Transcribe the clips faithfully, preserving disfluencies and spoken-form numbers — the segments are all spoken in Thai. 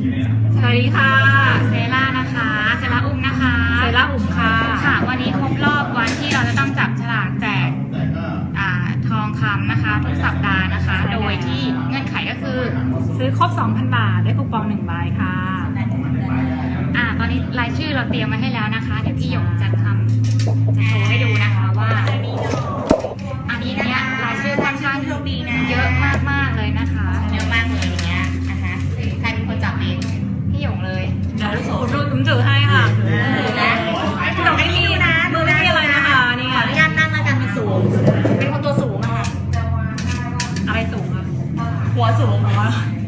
สวัสดีค่ะเซล่านะคะเซล่าอุ้มนะคะเซล่าอุ้มค่ะค่ะวันนี้ครบรอบวันที่เราจะต้องจับฉลากแจกทองคำนะคะทุกสัปดาห์นะคะโดยที่เงื่อนไขก็คือซื้อครบ สองพัน บาทได้คูปองหนึ่งใบค่ะอ่าตอนนี้รายชื่อเราเตรียมมาให้แล้วนะคะเดี๋ยวพี่หยกจะทำจะโชว์ให้ดูนะคะว่าอันนี้เนี่ยรายชื่อค่อนข้างเยอะมากๆเลยนะคะเยอะมากเลยอย่างเงี้ยนะคะใครเป็นคนจับเองพี่หยกเลยเดี๋ยวลูกสูตรผมถือให้ค่ะนะพี่หยกไม่มีนะมือไม่มีอะไรนะคะนี่ขออนุญาตนั่งแล้วกันเป็นสูงเป็นคนตัวสูงอะค่ะอะไรสูงอะหัวสูงหัว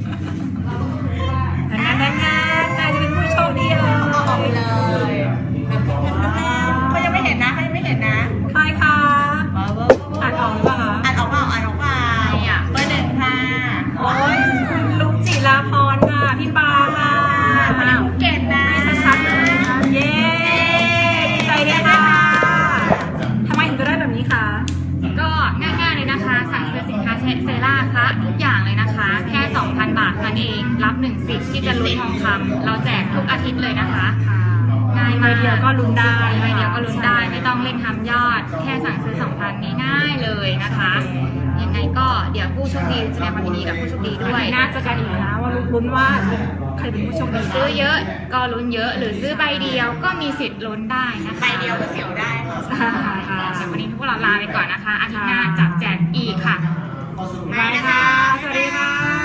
งั้นงั้นงั้นใครจะเป็นผู้โชคดีเออเอาออกไปเลยเขายังไม่เห็นนะเขายังไม่เห็นนะใครคะอ่านออกหรือเปล่าคะอ่านออกเปล่าอ่านออกเปล่าเบอร์หนึ่งค่ะโอ้ยคุณลุงจิราพรค่ะพี่ปาค่ะคนนี้ภูเก็ตนะชัดๆเลยนะคะเย้ดีใจด้วยค่ะทำไมถึงจะได้แบบนี้คะก็ง่ายๆเลยนะคะสั่งซื้อสินค้าเซล่าคะทุกอย่างเลยนะคะแค่ สองพัน บาทนั่นเองรับหนึ่งสิทธิ์ที่จะลุ้นทองคำเราแจกทุกอาทิตย์เลยนะคะง่ายมากใบเดียวก็ลุ้นได้ใบเดียวก็ลุ้นได้ไม่ต้องเล่นทำยอดแค่สั่งซื้อ สองพัน ง่ายๆเลยนะคะยังไงก็เดี๋ยวผู้โชคดีแสดงความยินดีกับผู้โชคดีด้วยน่าจะกันอีกนะว่าลุ้นว่าใครเป็นผู้โชคดีซื้อเยอะก็ลุ้นเยอะหรือซื้อใบเดียวก็มีสิทธิ์ลุ้นได้นะคะใบเดียวก็เสียวได้ค่ะวันนี้พวกเราลาไปก่อนนะคะอาทิตย์หน้าจับแจกอีกค่ะบายค่ะสวัสดีค่ะ